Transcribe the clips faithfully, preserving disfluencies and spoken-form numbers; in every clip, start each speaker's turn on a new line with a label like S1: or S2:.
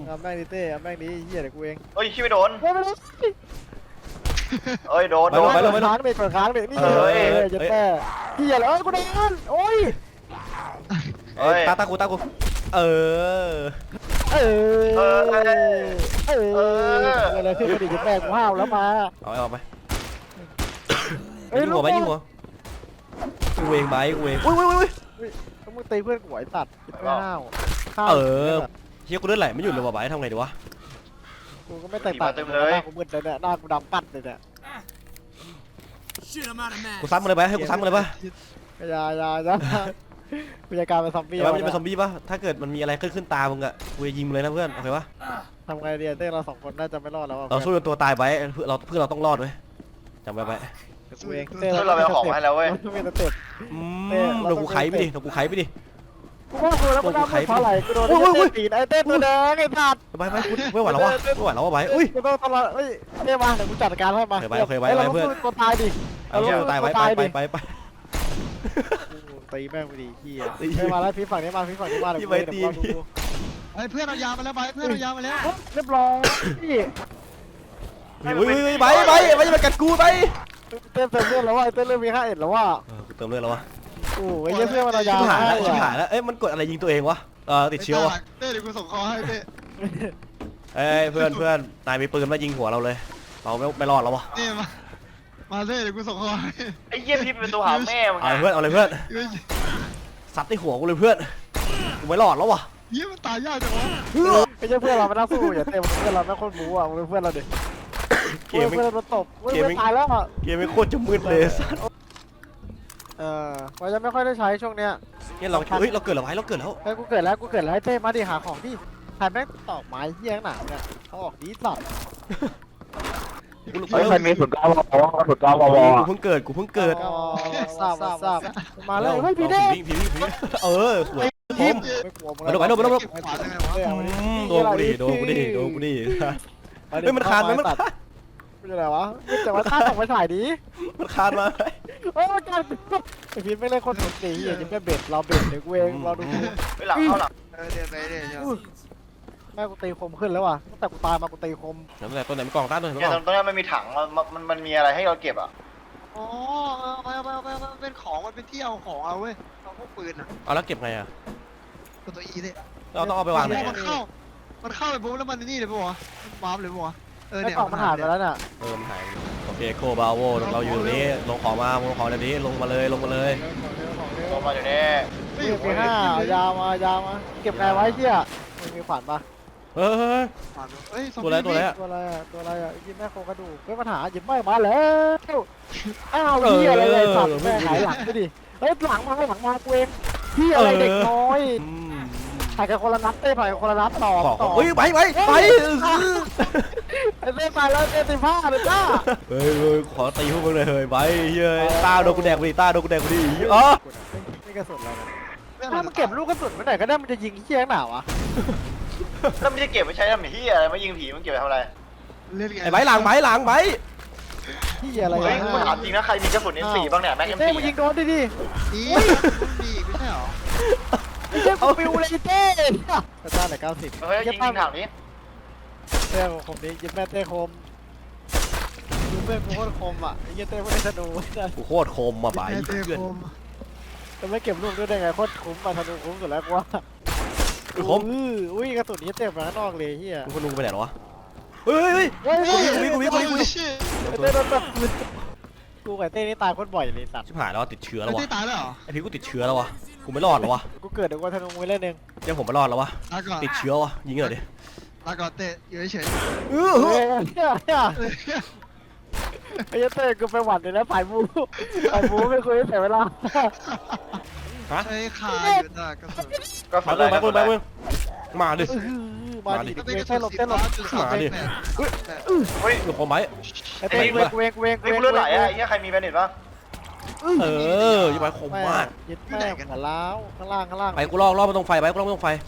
S1: เอาแม่งดิเต้เอาแม่งดิเฮียเดี๋ยวกูเอง
S2: เฮ้ยชิไม่โดน
S1: เฮ้ยไม่โดน
S2: เอ้ยโดนโดน
S1: ไปเลยค้างเด็กเปิดค้างเด็กนี่เลยจะแม่เฮียเลยเอ้ยกูโดนโอ้ย
S2: เฮ้ย
S3: ตาตากูตากูเออ
S1: เออเออเอออะไรขึ้นมาดิจะแม่กูห้าวแล้วมา
S3: เอาเอาไปยิงหัวไปยิงหัวกูเองไปกูเองอุ้ยอุ้ยอุ้ย
S1: ต้องมึงตีเพื่อนกูไอ้ตัดไม่ห้าว
S3: เออเฮียกูเลือดไหลไม่หยุดเลยว่ะไปทำไงดีวะ
S1: กูก็ไม่แตกต่างหน้ากูมืดเลยเนี่ยหน้ากูดำปัดเลยเนี่ย
S3: กูซ้ำมันเลยไปให้กูซ้ำมันเลยปะ
S1: ยายายากูจะกลายเป็นซอมบี้
S3: แต่ว่ามันจะเป็นซอมบี้ปะถ้าเกิดมันมีอะไรขึ้นขึ้นตามึงอะกูจะยิงมึงเลยนะเพื่อนโอเคปะ
S1: ทำไงดีเต้เราสองคนน่าจะไม่รอดแล้ว
S3: เราสู้จนตัวตายไปเพื่อเราเพื่อเราต้องรอดไว้จำไว้ไป
S1: กูเอง
S2: เฮ้ยเราไปเอาของมาให้แล้วเว้ย
S1: ไม่สเต็ป
S3: อืมเดี๋ยวกูไขไปดิเดี๋ยวกูไขไปดิ
S1: กูว่ากูแล้วกูดำเพราะอะไรกูโดนเต้ตีนไอ้เต้ตัวแดงไอ้สัตว์
S3: ไปไปกูไม่ไหวแล้ววะไม่ไหวแล้ววะไปอุ้ย
S1: กูต้องตลอดเฮ้ยเต้มาเดี๋ยวกูจัดการให้มาตัวตายดิ
S3: เอาเตายไปไปไปไปไป
S1: ตีแม่งไปดิขี้เต้มาแล้วพี่ฝั่งนี้มาพี่ฝั่งนี้มาเดี๋ยวกูเดี๋ยวกูดู
S4: ไอ้เพื่อนเอายามาแล้วไปเพื่อนเอายามาแล้ว
S1: เรียบร้อยพี่
S3: อุ้ยไปไปไปจะมากัดกูไป
S1: เต้เติมเลือดแล้วว่าเต้เริ่มมีค่าเอ็ดแล้วว่า
S3: กูเติมเลือดแล้ววะ
S1: โอ้ยเพื่อนมันเอายา
S3: ชิบหาย
S1: ให้
S3: แล้วชิบหายแล้วเอ้ยมันกดอะไรยิงตัวเองวะเออติดเชื้อวะ
S4: เต้เดี๋ยวกูส่งคอให้เต้
S3: เอ้ยเพื่อนเพื่อนนายมีปืนมายิงหัวเราเลยเราไม่ไม่รอดแล้ววะ
S4: นี่มามาเต้เดี๋ยวกูส่งคอให้
S2: ไอ้เยี่ยพี่เป็นตัวหาแม่มึง
S3: เอาเพื่อนเอาเลยเพื่อนซัดในหัวกูเลยเพื่อนกูไม่รอดแล้ววะ
S4: ยี่มันตายยากจังวะ
S1: ไม่ใช่เพื่อนเราไม่น่าสู้อย่าเต้เพื่อนเราไม่คนบู๊อ่ะมึงเป็นเพื่อนเราดิ
S3: เกม
S1: เพื่อนเราตบเพื่อนตายแล้วอ่ะ
S3: เกมไม่โคตรจะมืดเลยสัส
S1: เออเราจะไม่ค่อยได้ใช้ช่วงเนี้ย
S3: เนี่ยเราเฮ้ยเราเกิดแล้วไว้เราเกิดแล้ว
S1: เฮ้ยกูเกิดแล้วกูเกิดแล้วให้เต้มาดิหาของดิถ่ายแม่งตอกไม้เหี้ยหนาเนี่ยเขาออกดีสัตว์
S3: เฮ้ย
S5: ใครมีสุดเก้าวอสุดเก้าวอ
S3: กูเพิ่งเกิดกูเพิ่งเกิด
S1: ทราบทราบมาเลยเฮ้ยพี่เด้
S3: ผีผีผีเออสวยผม
S1: ไม่กลัวมึง
S3: ไปดูไปดูไปดู
S4: เก็บขวานยังไงวะ
S3: โดนกูดิโดนกูดิโดนกูดิเฮ้ยมันคานมันมัน
S1: เป็นอะไรวะแต่ว่าถ้าส่งไปถ่ายดิ
S3: มันคานมา
S1: เฮ้ยมันการไอพีไม่เล่นคนสนตีอย่ายิ้มแม่เบ็ดเราเบ็ดเดี๋ยวกูเองเราดู
S2: ไปหลังเข้าหลัง
S4: เออเดี๋ยวไปเดี๋ยวเดี๋ยว
S1: แม่กูตีคมขึ้นแล้วว่ะตั้งแต่กูตายมากูตีคม
S3: เดี๋ยวตัวไหนมันกล่องต้านตัวไหนมัน
S2: เนี่ย
S3: ก
S2: ต
S3: ล่
S2: ร
S3: อง
S2: งตรงนี้มันมีถังมันมันมันมีอะไรให้เราเก็บอ่ะ
S4: อ๋อเอาไปเอาไปเอาไปเอาเป็นของมันเป็นที่เอาของเอาเว้ยเอาพวกปืนอ่ะ
S3: เอาแล้วเก็บไงอ่ะ
S4: ตัวตัวอีเนี่ย
S3: เราต้องเอาไปวางไหน
S4: มันเข้ามันเข้าไปปุ๊บแล้วมันนี่เลยปะวะมันวาร์ปเลยปะวะเออ
S1: ไอ้
S4: เนี่ย
S1: กล่องมันหายไปแล้วน่ะ
S3: เออมันหายโอเคโคบาโวเราอยู่ตรงนี้ลงของมาลงของเดี๋ยวนี้ลงมาเลยลงมาเลย
S2: ลงมาอยู่นี่
S1: ไม่อยู่ปีห้ายาวมายาวมาเก็บไงไว้เชี่ยมันมีขวานปะ
S3: เฮ้ย
S4: เฮ้ย
S3: ตัวอะไรตัวอะไร
S1: ตัวอะไรอ่ะตัวอะไรอ่ะยิ้มแม่โครงกระดูกเฮ้ยปัญหายิ้มไม่มาแล้วอ้าวพี่อะไรเลยสัตว์แม่หายหลังไปดิเฮ้ยหลังมาหลังมากูเองพี่อะไรเด็กน้อยถ่ายกันคนละนัดเต้ถ่ายกันคนละนัดต่อ
S3: ขอ
S1: ต่อ
S3: เฮ้ยไปไปไป
S1: ไอ้เต้ไปแล้วเต้ตีผ้าเลยจ้า
S3: เฮ้ยเฮ้ยขอตีพวกมึงเลยเฮ้ยไปเฮ้ยตาโดนกูแดกไปดิตาโดนกูแดกไปดิอ๋อ
S1: นี่กระสุนอะไรถ้ามันเก็บลูกกระสุนไว้ไหนก็ได้มันจะยิงเชี่ยหนาวะ
S2: แล้วไม่ได้เก็บไปใช้ทำเหี้ยอะไรมายิงผีมันเก็บไปทำอะไร
S4: เล่นไง
S3: ไอ้ใบหลังใบหลังใบ
S1: พี่อะไร
S2: เฮ้ยกูถามจริงนะใครมีกระสุน เอ็ม โฟร์ บ้างเนี่ยแม็ก เอ็ม
S1: เต้
S2: โฟร์
S1: มึงยิงโดนดิดิ
S4: นี่นี่ไม่ใช่หรอ
S1: ไอ้เต้กูปิวเลยเต้กระต้าไหนเก้าสิบ
S2: เฮ้ยยิงยิงถังนี้
S1: เต้คมนี้ยิ้มแม่เต้คมดูเพื่อนกูโคตรคมอ่ะไอ้เต้พวกนี้ธนู
S3: กูโคตรคมมาใบ
S4: เต้
S3: เพื่อน
S4: คม
S1: จะไม่เก็บลูกด้วยได้ไงโคตรคุ้มมาธนูคุ้มสุดแล้วกูว่า
S3: คือคม
S1: อุ้ยกระสุนนี้เต็มแล้วนอกเลยเฮีย
S3: มึงคนลุงไปไหนหรอวะเฮ้ยเฮ้ย
S1: เฮ้ย
S3: กูวิ่งกูวิ่งกูวิ่งกูวิ่ง
S1: เต้โดนแบบกูกับเต้นี่ตายโคตรบ่อยเลยสัตว์
S3: ชิบหายแล้วติดเชื้อแล้ววะ
S4: เต้ตายแล้วเหรอ
S3: ไอพี่กูติดเชื้อแล้ววะกูไม่รอดแล้ววะ
S1: กูเกิดเดี๋ยวกูธนูมือเล่นเอง
S3: เดี๋ยวผมไม่รอดแล้ววะ
S4: ลาก่อน
S3: ติดเชื้อวะยิงเลยดิ
S4: ลาก่อนเต้อยู่เฉย
S3: เอ
S1: เฮ้
S3: อย
S1: เฮียเฮียไอ้เต้กูไปหวัดเลยนะผ่ายมูผ่ายมูไม่คุยเสียเวลา
S3: ฮะ
S4: ใช้คาอยู่นะกระสุน
S2: ก็ฝั
S3: มาน เล
S2: เลย ย
S3: มา
S2: ก็
S3: เพิ่
S2: ฝั
S3: ม
S2: น
S3: มา
S2: เลย
S3: เพิ่มมาดิ
S1: มาดิเต้นหลบเต้นหลบ
S3: มาดิ
S2: เฮ้ย
S3: เดี๋ยวผมไหม
S1: ไอ้เต้กูเวงกูเวงกูเวง
S2: ไอ้กูเลือดไหลอ่ะไอ้เหี้ยใครมีแบนเน็ตบ้าง
S3: เออยังไงคมมาก
S1: ยึดแม่หัวล้าวข้างล่างข้างล่าง
S3: ไปกูลอกลอกมาตรงไฟไปกูลอกมาตรงไฟ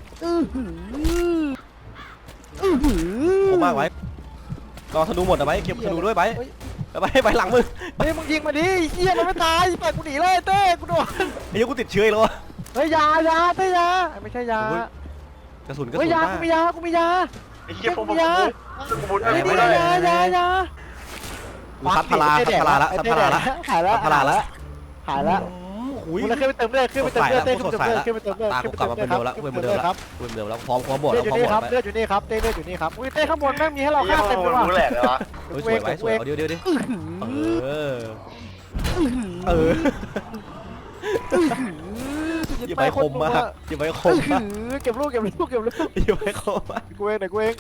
S3: คมมากไว้รอธนูหมดนะไว้เก็บธนูด้วยไปไปไปหลังมึง
S1: เฮ้ยมึงยิงมาดิเฮียมันไม่ตายปล่อยกูหนีเลยเต้กูโดน
S3: ไอ้ยังกูติดเชื้อแล้ววะ
S1: เฮ้ยยายาเต้ยาไม่ใช่ยาก
S3: ระสุนกระ
S1: เฮ้
S3: สุ
S1: ย
S3: น
S1: ยาม
S3: าก
S1: กูมียากูมียา
S2: ไอ้เหี้ยพวกมึง
S1: ยา
S2: กูบุญ
S1: ไอ้
S2: ไม่
S1: นี่
S2: ได้
S1: ยายายา
S3: กูซัดพลาซัดพลาละซัดพลาละ
S1: หายแล้ว
S3: ซัดพลาละ
S1: หายแล้ว
S3: หุย
S1: กูเลยขึ้นไปเติมเลือดขึ้นไปเติมเลือดเต้ขึ้นไปเติมเลือดขึ้นไปเติมเลือด
S3: ตากูกลับมาเป็นเดิมแล้วกูเป็นเหมือนเดิมแล้ว
S1: ครับ
S3: กูเป็นเหมือนเดิมแล้วพร้อมพร้อมบวก
S1: เลื
S3: แล้
S1: อ
S3: ว
S1: ดอ
S3: พร้
S1: ยู่
S3: อมบว
S1: นี่
S3: ก
S1: ครับ
S3: แล้ว
S1: เลือดอยู่นี่ครับเต้เลือดอยู่นี่ครับอุ้ยเต้ข้างบนแม่งมีให้เรา
S2: ไอ้เหี้ย
S1: ฆ่า
S2: พว
S1: เต็
S2: ก
S1: ม
S2: มึ
S1: เลย
S2: ง
S1: ว่ะ
S2: รู้แหละเลยวะ
S3: เฮ้ยสวยไว้สวยเอาเดี๋ยวเดี๋ยวเดี๋ยวเออเออยิงไปคมมากยิงไปคมมาก
S1: เก็บลูกเก็บลูกเก็บลูก
S3: ยิงไปคมมาก
S1: กูเองเดี๋ยวกูเอง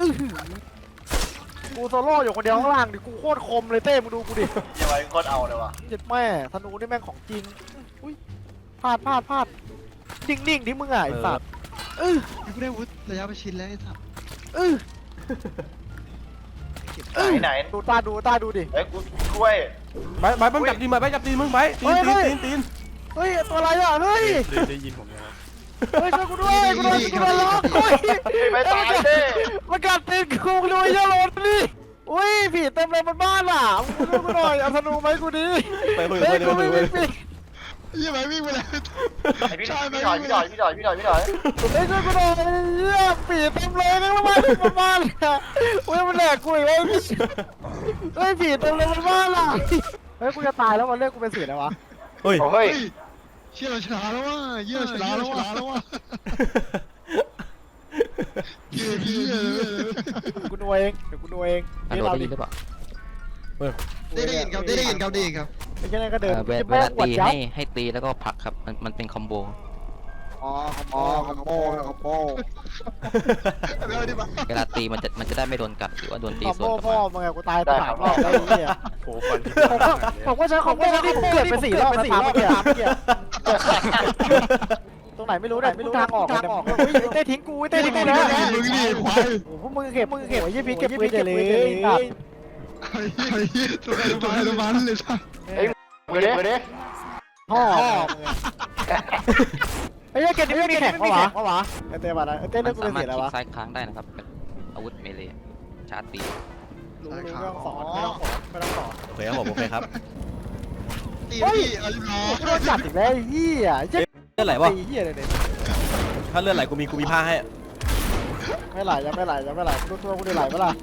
S1: กูโซโล่อยู่คนเดียวข้างล่างดิกูโคตรคมเลยเต้มึงดูกูดิ
S2: เหี้ยไว้โคตรเอาเลยวะ
S1: เจ็ดแม่ธนูนี่แม่งของจริงอุ้ยพลาดพลาดพลาดนิ่งๆที่มึงอ่ะไอ้สัตว์เออ
S4: กูได้วุฒิระยะประชิดแล้วไอ้สัส
S1: เออ
S2: ไหนไหน
S1: ดูตาดูตาดูดิ
S2: ไอ้กูกล้วย
S3: ไปไปไปจับตีนมาไปจับตีนมึงไปตีนตีนตีนตีน
S1: เฮ้ยตัวอะไรอ่ะเฮ้ย
S3: ได้ยินผมนะครับ
S1: เฮ้ยช่วยกูด้วยกูโดนกูโดนล็อกเฮ้ย
S2: ไม่ตายเด้
S1: มันกัดตีนกูด้วยยาลนดิอุ้ยผีเต็มเลยบนบ้านอ่ะมึงช่วยกูหน่อยเอาธนูไหมกูดิ
S3: ไปเพื่อน
S1: เฮ้ย
S3: เพื่อน
S1: กู
S3: เพื่
S1: ไม่
S3: อน
S1: มี
S3: เพื่อน
S1: ปีก
S4: ยี่ไปวิ่งไปเลย
S2: ไอ้พี่พี่ดอยพี่ดอยพี่ดอยพี่ดอยพี่ดอย
S1: เฮ้ยช่วยกูหน่อยเหี้ยผีเต็มเลยนั่งละมาบนบ้านอ่ะเฮ้ยมันแหลกกูอีกแล้วเฮ้ยผีเต็มเลยบนบ้านอ่ะเฮ้ยกูจะตายแล้ววันเรียกกูเป็นสีอะไรวะ
S3: เฮ้ย
S2: โอ้เฮ้ย
S4: เชี่ยเราชนะแล้วว่ะเยี่ยเราชนะแล้วว่ะแล้วว่ะเยี่ยเยี่ย
S1: กูดูเองเดี๋ยวกูดูเอง
S6: ฮัลโหลได้ยินหรือเปล่า
S4: ได้ได้ยินครับได้ได้ยินครับได้ยินครับ
S1: ไม่ใช่นั่นก็เดิน
S6: เอ่อเวล
S1: จะ
S6: เว
S1: แม่
S6: ลาง
S1: อวด
S6: ตี
S1: ยับ
S6: ให้ให้ตีแล้วก็ผลักครับ มันมันเป็นคอมโบ
S4: อ๋อคอมโบคอมโบคอมโบแล้วดิบ้า
S6: เวลาตีมันจะมันจะได้ไม่โดนกัดหรือว่าโดนตี
S1: ขอ
S6: สวน
S1: โม่
S6: กลับ
S1: พ่อ
S6: มา
S1: มึงไงกูตายตายรอบแล้วไอ้เหี้ย
S3: โอ้ฟันที่
S1: ผมก็ผมก็ใช้ของโม่ที่ผมเกิดไปสี่รอบสี่รอบเมื่อกี้ตรงไหนไม่รู้เนี่ยไม่รู้ทางออกทางออกเต้ทิ้งกูเต้ทิ้งกูนะ
S4: มึงดิควาย
S1: โอ้พวกมึงเก็บมึงเก็บไอ้ยี่พีเก็บปืนเลย
S4: ไอ้ไอ้ตัวไอ้ตัวไอ้ตัวมันเลยสัส
S2: มือดิมือดิ
S1: พ่อไอ้ยี่เก็บนี่ไม่มีแข่งปะวะปะวะไอ้เต้มาแล้วไอ้เต้
S6: มั
S1: เลือก
S6: น
S1: กู
S6: สา
S1: เป็น
S6: มาร
S1: สี
S6: ถ
S1: อะไร
S6: คลิก
S1: วะ
S6: ซ้ายค้างได้นะครับเป็นอาวุธเมเลย์ชาร์จตี
S1: รู้รู้เรื่องสอนไม่ต้องสอนไม่ต้องสอน
S3: โอเคครับผมโอเคครับ
S4: ตีพี่อายุน้อ
S1: โดนจับอีกแล้วเหี้ยเจ๊
S3: เลือดไหลวะ
S1: เหี้ยเลยเนี่ย
S3: ถ้าเลือดไหลกูมีกูมีผ้าให้
S1: ไม่ไหลยังไม่ไหลยังไม่ไหลกูตัวกูได้ไหลปะล่ะ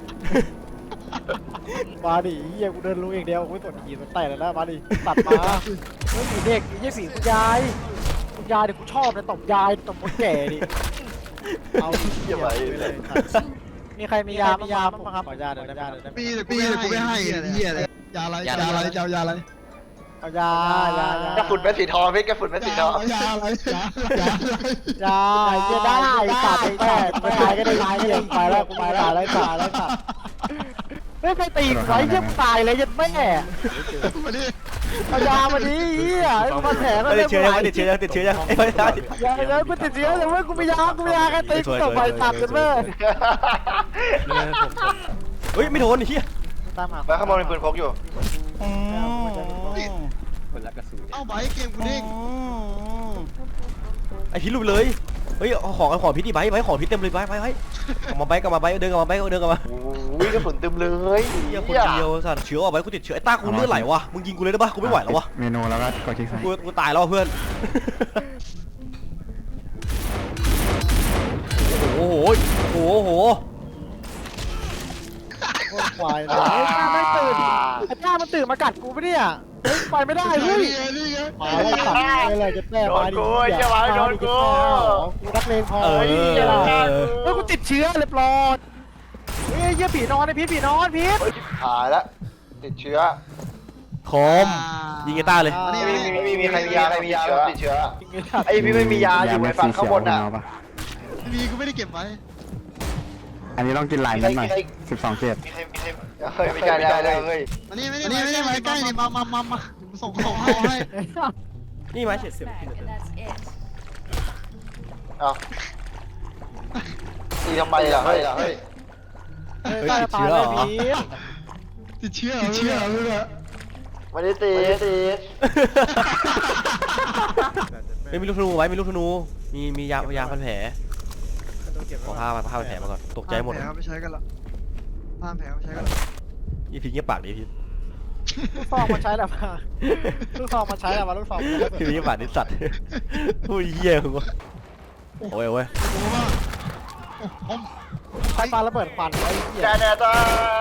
S1: มาดิเหี้ยกูเดินรู้เองเดียวกูไม่สนขี่มันไต่แล้วนะมาดิตัดมาเฮ้ยผีเด็กยี่ผีคุณยายคุณยายเดี๋ยวกูชอบเลยตบยายตบคนแก่ดิเอาเหี้ยไปเลยมีใครมียามียาบ้างครับขอยาเดี๋ยวได้ไหม
S4: ปีแต่กูไม่กูไม่ให้เหี้ยอะไรยาอะไรยาอะไรยายาอะไร
S1: เอายายายาก
S2: ระฝุ่นเป็นสีทองพี่กระฝุ่นเป็นสีทอง
S4: ยาอะไรยายาอะไร
S1: ยาเหี้ยได้ตัดไปแม่ไปตายก็ได้ตายก็ยังไปแล้วกูไปตายแล้วตายแล้วตัดไม่ใครตีกูไว้เหี้ยตายเลยยัดแม่
S4: มาดิ
S1: เอายามาดิเหี้ยมาแผลก็
S3: ไม่
S1: ได้
S3: ติดเชื้อยังไม่ติดเชื้อยังติดเชื้อยังไม่ได้
S1: ยาแล้วกูติดเชื้อแต่ว่ากูมียากูมียาแค่ตีกูต่อไปตัดกันแม่
S3: เฮ้ยไม่โดนไอ้เหี้ย
S1: ตามหา
S2: แล้วข้างบนมีปืนพกอยู่
S4: เอ้าไบเกมกูเด้ง
S3: ไอพิษลุกเลยเฮ้ยเอาของเอาของพิษดิไบไบของพิษเต็มเลยไบไบไบกลับมาไบกลับมาไบเดินกลับมาไบเดินกลับมา
S2: โอ้ยกระสุนเต็มเลย
S3: เหี้ยคนเดียวสัตว์เชื้อออกไปกูติดเชื้อไอ้ต้ากูเลือดไหลวะมึงยิงกูเลยได้ปะกูไม่ไหวแล้ววะ
S5: เมนูแล้วก็กดคลิกซ้าย
S3: กูกูตายแล้วเพื่อนโอ้โหโอ้โหโอ้โห
S1: โคตรควายเลยไม่ตื่นไอ้จ้ามันตื่นมากัดกูปะเนี่ยไปไม่ได้เฮ้ย
S4: นี่ไง
S1: มาแล้วตัดเลยจะแม่มาดิกูรักเลงพอ
S3: เออ
S1: เฮ้ยกูติดเชื้อเรียบร้อยเฮ้ยเยี่ยผีนอนไอ้พีทผีนอนพีท
S2: หายแล้วติดเชื้อ
S3: คมยิงไอ้ต้าเลย
S2: ไม่มีไม่มีมีใครมียาใครมียาติดเชื้อไอ้พี่ไม่มียาอยู่ในฝั่งข้างบนน่ะ
S5: เอาปะ
S4: มีกูไม่ได้เก็บไว้
S5: อันนี้ต้องกินลายนั้นหน่อยสิบสองเจ็ด
S2: มีใครมีใครเฮ้ยไม่ใช่ไม่ใช่เลยเฮ้ย
S4: อันนี้ไม่ได้ไม่ได้มาใกล้นี่มามามามาส่งส่งให้ให้
S3: นี่ไม้เฉียดเสียบ
S7: And that's it.
S2: อ้าวตีทำไมล่ะเฮ้ยเฮ้ย
S1: ตายตายเลยพีท
S4: ติดเชื้อติดเชื้อเลย
S2: ไม่ได้ตีตี
S3: ไม่มีลูกธนูไว้มีลูกธนูมีมียายาพันแผลขอผ้ามาผ้าพันแผลมาก่อนตกใจหมด
S4: แผลไม่ใช้กันละห้ามแผลไม่ใช้กันละ
S3: ยี่พีเงียบปากดิพี่
S1: ลูกซองมาใช้แล้วมาลูกซองมาใช้แล้วมาลูกซอง
S3: พี่เงียบปากดิสัตว์ผู้เหี้ยมึงวะโอ้ยโอ้ย
S4: โอ้ว่าผม
S1: ใครปาระเบิดควันไอ้เหี้ย
S2: แดนแดนจ้า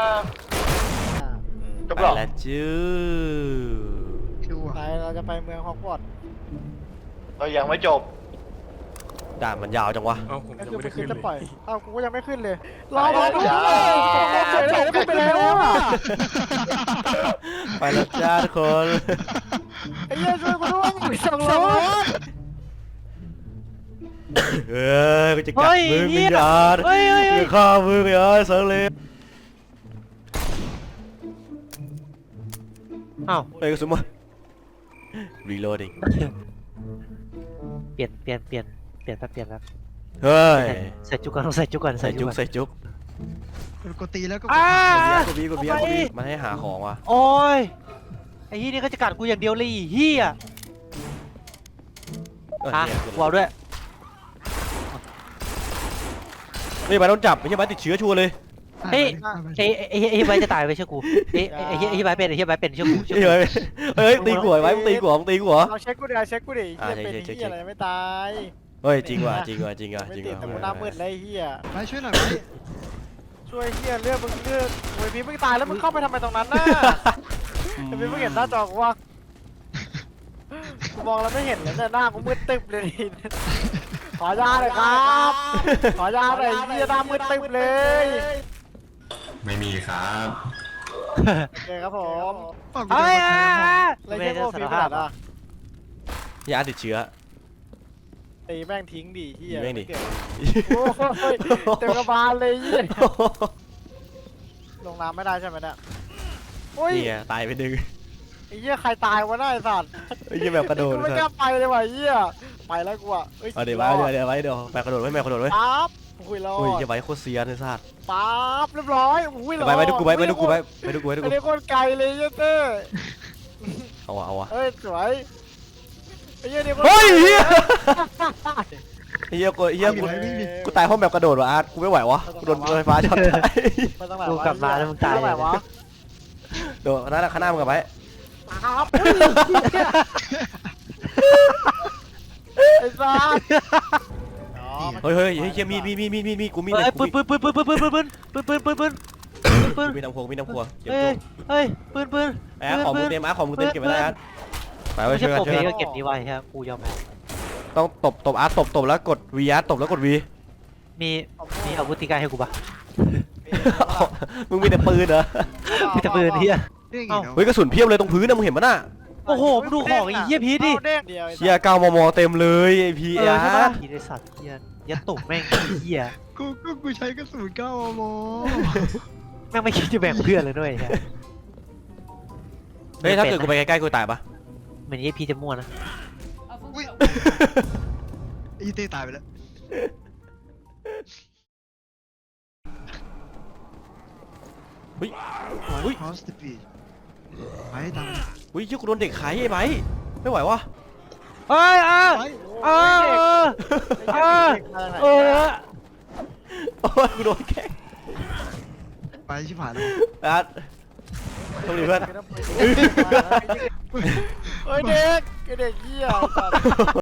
S2: จบ
S3: ไป
S2: หรอ
S3: แล้วจื้อ
S4: ดู
S1: ไป
S4: อ่ะ
S1: เราจะไปเมืองฮอกวอตส์
S2: เรายังไม่จบ
S3: ด่านมันยาวจังวะ
S7: เอ้าผม
S1: ก็
S7: ยัง
S1: คือ
S7: ไม่
S1: มัน
S7: ได้
S1: ขึ้
S7: ขึ้
S1: น
S7: น
S1: จะ
S7: เล
S1: ปล่อย
S7: ย
S1: เอ้ากูก็ยังไม่ขึ้นเลย ร
S2: ไป
S1: อ
S2: แล้ว
S1: มาดู
S2: จ้า
S1: เฉยเลยแล้วมึงไปแล้วอ่ะ
S3: ไปแล้วจ้าทุกคน
S1: ไอ้เหี้ยช่วยกูด้วยสองรถ
S3: เอ้ยกูจะกัดมึงวิญญาณ
S1: เฮ้ยเฮ้ยเฮ้ย
S3: จะฆ่ามึงไอ้เสิร์ฟเลย
S8: อ้าว
S3: เฮ้ยกระสุนมา reloading
S8: เปลี่ยนเปลี่ยนเปลี่ยนเปลี่ยนแป๊บเปลี่ยนแป๊บ
S3: เฮ้ย
S8: ใส่จุกก่อนต้องใส่จุกก่อน
S3: ใส่จุก
S8: อน
S3: ใส่จุก
S4: กดตีแล้วก็
S8: อ้า
S3: กูบีกูบีกูบีมันให้หาของว่ะ
S8: โอ้ยไอ้เหี้ยนี่ก็จะกัดกูอย่างเดียวเลยไอ้เหี้ย
S3: เออ
S8: อ่ะ
S3: เนี่ย
S8: กูเอาด้วย
S3: ไม่ใช่ใบโดนจับไม่ใช่ใบติดเชื้อชัวร์เลย
S8: เฮ้ยไอ้ไอ้ไอ้ไอ้ใบจะตายไปเชื่อกูไอ้ไอ้ไอ้ไอ้ใบเป็นไอ้ใบเป็นเชื่อกูเชื่อ
S3: เฮ้ย
S8: กู
S3: เฮ้ยตีกูเหรอไว้มึงตีกูเหรอมึงตีกูเหรอ
S1: เอาเช็คกูดิเอาเช็คกูดิ
S3: อ่า
S1: เหี้ยเป็น
S3: เช็ค
S1: ไอ้เหี้ย
S3: เช็ค
S1: อะไรไม่ตาย
S3: เฮ้ยจริงว่ะจริงว่ะจริงว่ะ
S1: ไม่
S3: จริง
S1: ติด
S3: ว่ะ
S1: แต่กูหน้ามืดเลยไอ้เหี้ย
S4: ไปช่วยหน่อยไหม
S1: ช่วยเหี้ยเลือดมึงเลือดโอ้ยพี่มึงตายแล้วมึงเข้าไปทำไมตรงนั้นน่ะไอ้พี่มึงเห็นหน้าจอกูว่ากูมองแล้วไม่เห็นเลยเนี่ยหน้ากูมืดตึ๊บเลยนี่ขอยาหน่อยครับ ขอยาหน่อยเหี้ยหน้ามืดตึ๊บเลย
S5: ไม่มีครับ
S1: โอเคครับผม
S4: ฝากกู
S8: เฮ้ย
S4: จะ
S8: อ่ะ
S4: มา
S1: อะไร
S8: ไม่
S1: เงี้ย
S8: ได้
S1: พวก
S8: สา
S1: พี่
S8: ร
S1: ข
S8: ภา
S1: นา
S8: พ
S1: ดอ่ะ
S3: ยาติดเชื้อ
S1: ตีแม่งทิ้งดิเหี้ย
S3: แม่งดิ
S1: ไเกี่ยวโอ้ยเต็มกระบาลเลยเหี้ยลงน้ำไม่ได้ใช่ไหมเนี่ยโอ้ย
S3: นี่ไงตายไปหนึ่ง
S1: ไอ้เหี้ยใครตายวะน่าไอ้สัตว์
S3: ไอ้ยี่แบบกระโดด
S1: กูไม่กล้าไปเลยว่ะไอ้เหี้ยไปแล้วกูอ่ะอ้ย
S3: เอาเดี๋ยวไว้เดี๋ยวเดี๋ยวไว้เดี๋ยวแบกกระโดดไว้แบกกระโดดไว้
S1: ปั๊บอุ้ยรอ
S3: โอ้ย
S1: ด
S3: จะไว้โคตรเซียนไอ้สัตว์
S1: ปั๊บเรียบร้อยอุ้ยรอด
S3: ไปไปดูกูไปไปดูกูไปไปดูกูไปดู
S1: อั
S3: กู
S1: นนี้โคตรไกลเลยเหี้ยเต้
S3: เอาวะเอาวะ
S1: เอ้ยสวยไอ้เหี้ยนี่โคตร
S3: เฮ้ย
S1: ไกล
S3: เฮียเฮียกูเฮียกูกูตายห้องแบบกระโดดว่ะอาร์ตกูไม่ไหววะกูโดนไฟฟ้าช็อตตาย
S1: ไปตั้งไหน
S8: กู
S1: วะ
S8: กลับมาแล้วมึงตาย
S1: ตั้งไหนวะ
S3: โดดนั่นแหละข้างหน้ามึงกลับไป
S1: ปั๊บอุ้ยไอ้สัตว์อ๋อมัน
S3: เฮ้ยเฮ้ยเฮ้ยเฮียมีมีมีมีมีมีกูมี
S8: เฮ้ย
S3: กู
S8: ปืน
S3: มี
S8: ปืนปืนปืนปืนปืนปืนปืนปืนปืนปืนปืนปืน
S3: มีน้ำพวงมีน้ำพวงเก็บ
S8: เฮ้
S3: ตั
S8: ยว เฮ้ยปืนปืน
S3: ไอ้อาร์ตของมึงเต็มอาร์ตของมึงเต็มเก็บไว้ได้อาร์ตไปไว้
S8: ไม่
S3: ช่
S8: ใช่
S3: วยกัน
S8: โปร
S3: ช่วย
S8: เพ
S3: กัน
S8: ก็เก็บนี้ไว้ครับกูยอมแพ้
S3: ต้องตบตบอาร์ตตบตบแล้วกดวีอาร์ตตบแล้วกดวี
S8: มีมีอาวุธตีกายให้กูปะ
S3: มึงมีแต่ปืนเหรอ
S8: มีแต่ปืนเฮีย
S4: เด้งอีกแล้ว
S3: เฮ้ยกระสุนเพียบเลยตรงพื้นนะมึงเห็นปะน่ะ
S8: โอ้โหมึงดูของไอ้เหี้ยพีชดิ
S1: เอาเด้งเดียวไอ้สัตว์
S3: เชียร์เก้ามมเต็มเลยไอพี
S8: เออ
S3: อา
S8: ใช่ปะ
S3: ร์
S8: พีชไอ้สัตว์เฮียยัดตุ่มแม่งไอ้เฮีย
S4: กูกูกูใช้กระสุนเก้ามม
S8: แม่งไม่คิดจะแบ่งเพื่อนเลยด้วยเฮีย
S3: เฮ้ยถ้าเกิดกูไปใกล้ๆกูตายปะ
S8: เหมือนไอ้พีชจะมั่วนะ
S4: อุ้ยไอ้เต้ตายไปแล้ว
S3: เฮ้ยเฮ้ย
S4: ฮอสติปีไปตาม
S3: เฮ้ยเชี่ยกูโดนเด็กขายไอ้ไบร์ทไม่ไหววะ
S8: เฮ้ยอ่ะ
S4: ไป
S8: เออเออเออ
S3: โอ้ยกูโดนแกล้ง
S4: ไปชิบหายแล้ว
S3: อาร์ตโชคดีเพื่อน
S1: เฮ้ยเด็กไอ้เด็กเหี้ยไอ้สัตว์